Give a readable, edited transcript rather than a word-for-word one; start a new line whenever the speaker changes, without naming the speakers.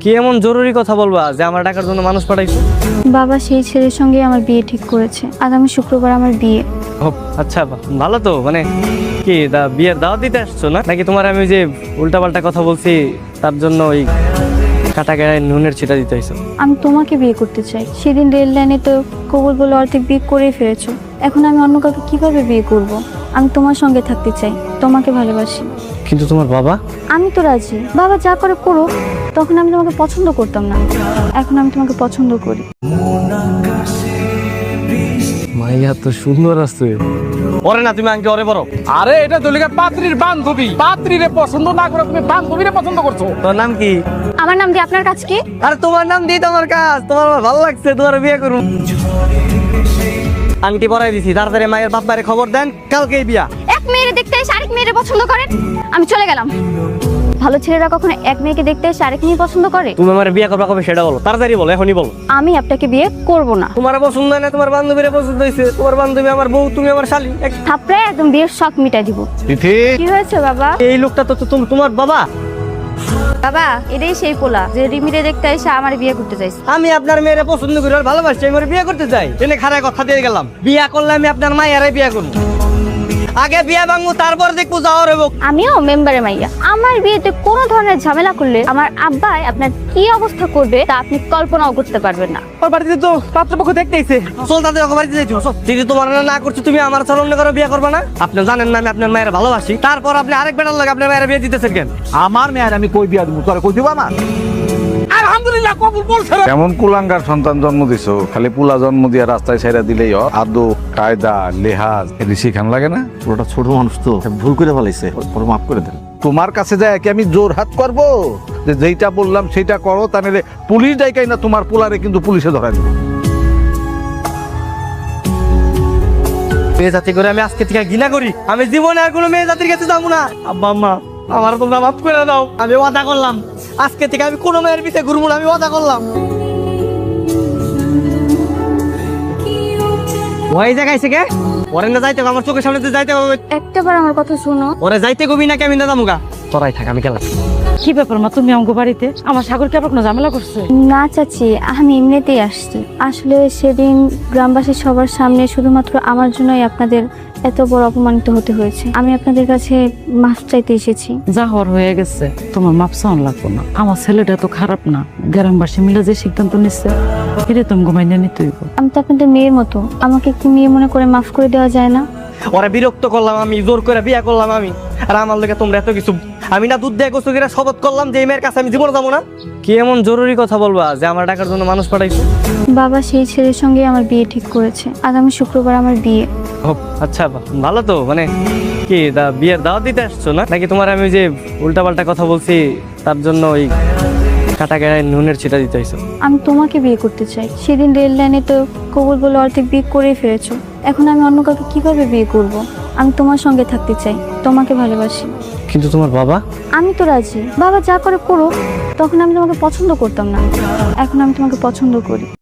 কি এমন জরুরি কথা বলবা যে আমার টাকার জন্য মানুষ পাঠাইছো?
বাবা সেই ছেলের সঙ্গে আমার বিয়ে ঠিক করেছে। আগামী শুক্রবার আমার বিয়ে।
ও আচ্ছা, ভালো তো। মানে কি বিয়ের দাওয়াত দিতে আসছো না নাকি তোমার আমি যে উল্টাপাল্টা কথা বলছি তার জন্য ওই কাটা গায়ে নুনের ছিটা দিতে হয়েছে?
আমি তোমাকে বিয়ে করতে চাই। সেদিন রেল লাইনে তো কবুল বলে অর্ধেক বিয়ে করেই ফেলেছো। এখন আমি অন্য কাউকে কিভাবে বিয়ে করব? আমি তোমার সঙ্গে থাকতে চাই, তোমাকে ভালোবাসি।
কিন্তু তোমার বাবা?
আমি তো রাজি, বাবা যা করে করো। তখন আমি তোমাকে পছন্দ করতাম না, এখন আমি তোমাকে পছন্দ করি।
মাইয়া তো সুন্দর আছে। ওরে না, তুমি আঙ্কে ওরে বড়।
আরে এটা দলিকা পাত্রীর বান্ধবী, পাত্রীরে পছন্দ না করে তুমি বান্ধবীরে পছন্দ করছো।
তোর নাম কি?
আমার নাম দিয়ে আপনার কাজ কি?
আরে তোমার নাম দিয়ে তোমার কাজ। তোমার আমার ভালো লাগছে, তোমার বিয়ে করুন। আংটি পরাই দিছি, তাড়াতাড়ি মায়ের বাপ মায়ের খবর দেন, কালকেই বিয়া।
এক মেয়েরে দেখতে এসে আরেক মেয়েরে পছন্দ করেন? আমি চলে গেলাম। ভালো ছেলেরা কখনো এক মেয়েকে দেখতে এসে আরেক মেয়ে পছন্দ করে?
তুমি আমার বিয়ে করবা কবে সেটা বলো, তাড়াতাড়ি বলো, এখনই বলো।
আমি আপনাকে বিয়ে করব না।
তোমার পছন্দ হয় না, তোমার বান্ধবীরে পছন্দ হয়েছে। তোমার বান্ধবী আমার বউ, তুমি আমার শালি।
থাপড়ায় একদম বিয়ের শখ মিটাই দিব।
তিথি,
কি হয়েছে বাবা?
এই লোকটা তো তোমার বাবা।
বাবা এটাই সেই পোলা যে রিমিরে দেখতে এসে আমার বিয়ে করতে চাইছে।
আমি আপনার মেয়েরে পছন্দ করি আর ভালোবাসি, আমি ওরে বিয়ে করতে চাই। এনে খারাপ কথা দিয়ে গেলাম, বিয়া করলে আমি আপনার মায়েরাই বিয়ে করবো। আগে বিয়া ভাঙবো, তারপর দেখবো যাওয়ার হবো।
আমিও মেম্বারে মাইয়া। আমার বিয়েতে কোনো ধরনের ঝামেলা করলে আমার আব্বাই আপনার কি অবস্থা করবে তা আপনি কল্পনাও করতে পারবেন না।
ওর বাড়িতে তো পাত্রপক্ষ দেখতেইছে। চল তাদের ওকে বাড়িতে যাইছো। যদি তোমার না করছো, তুমি আমার চলন করে বিয়ে করবে না? আপনি জানেন না আমি আপনার মায়ের ভালোবাসি, তারপর আপনি আরেক বেটার লাগে আপনার মায়ের বিয়ে দিতেছেন কেন?
আমার মেয়ের আমি কই বিয়া দিব? তোরে কই দিব আমার? আলহামদুলিল্লাহ কবুল বলছে।
কেমন কুলাঙ্গার সন্তান জন্ম দিছো? খালি পুলা জন্ম দিয়া রাস্তায় ছেড়ে দিলেই আদব কায়দা লেহাজ এটি শিখান লাগে না?
পুরোটা ছোট মানুষ তো ভুল করে ফেলাইছে, ওর মাফ করে দেন।
তোমার কাছে যায় কি আমি জোর হাত করব যে যেইটা বললাম সেটা করো? তা নাহলে পুলিশ ডাইকাই না তোমার পোলারে কিন্তু পুলিশে ধরা দিবে।
মেয়ে জাতি করে আমি আজকে থেকে ঘৃণা করি। আমি জীবনে আর কোনো মেয়ে জাতির কাছে যাবো না। আব্বা আম্মা, আমার তোমরা মাফ করে দাও। আমি ওয়াদা করলাম আজকে থেকে আমি কোনো মেয়ের পিছে ঘুরবো না। আমি ওয়াদা করলাম। ওই জায়গায় কে ওরে না যাইতে হবে, আমার চোখের সামনে দিয়ে যাইতে হবে।
একটাবার আমার কথা শোনো।
ওরে যাইতে কবি নাকি আমি না যাবো? তোরাই থাক, আমি গেলাম।
কি ব্যাপার মা, তুমি আমাকে বাড়িতে? আমার সাগর কি আবার কোনো ঝামেলা করছে?
না চাচি, আমি এমনিতেই আসছি। আসলে সেদিন গ্রামবাসী সবার সামনে শুধুমাত্র আমার জন্যই আপনাদের এত বড় অপমানিত হতে হয়েছে। আমি আপনাদের কাছে মাফ চাইতে এসেছি।
যা হওয়ার হয়ে গেছে, তোমার মাপ চাওয়ান লাগবো না। আমার ছেলেটা তো খারাপ না, গ্রামবাসী মিলে যে সিদ্ধান্ত নিচ্ছে এটা তুমি ঘুমাইনে নিতে হইব।
আমি তো আপনাদের মেয়ের মতো, আমাকে একটু মেয়ে মনে করে মাফ করে দেওয়া যায় না?
ওরা বিরক্ত করলাম, আমি জোর করে বিয়ে করলাম আমি। আর আমার লোকে তোমরা এত কিছু। আমি না দুধ দিয়ে গোসল করে শপথ করলাম যে এই মেয়ের কাছে আমি জীবন যাবো না। কি এমন জরুরি কথা বলবা যে আমার টাকার জন্য মানুষ পাঠাইছো?
বাবা সেই ছেলের সঙ্গে আমার বিয়ে ঠিক করেছে। আগামী শুক্রবার আমার বিয়ে।
ও আচ্ছা, ভালো তো। মানে কি বিয়ের দাওয়াত দিতে আসছো না নাকি তোমার আমি যে উল্টাপাল্টা কথা বলছি তার জন্য ওই কাটা গায়ে নুনের ছিটা দিতে হয়েছে?
আমি তোমাকে বিয়ে করতে চাই। সেদিন রেল লাইনে তো কবুল বলে অর্ধেক বিয়ে করেই ফেলেছো। এখন আমি অন্য কাউকে কিভাবে বিয়ে করব? আমি তোমার সঙ্গে থাকতে চাই, তোমাকে ভালোবাসি।
কিন্তু তোমার বাবা?
আমি তো রাজি, বাবা যা করে করো। তখন আমি তোমাকে পছন্দ করতাম না, এখন আমি তোমাকে পছন্দ করি।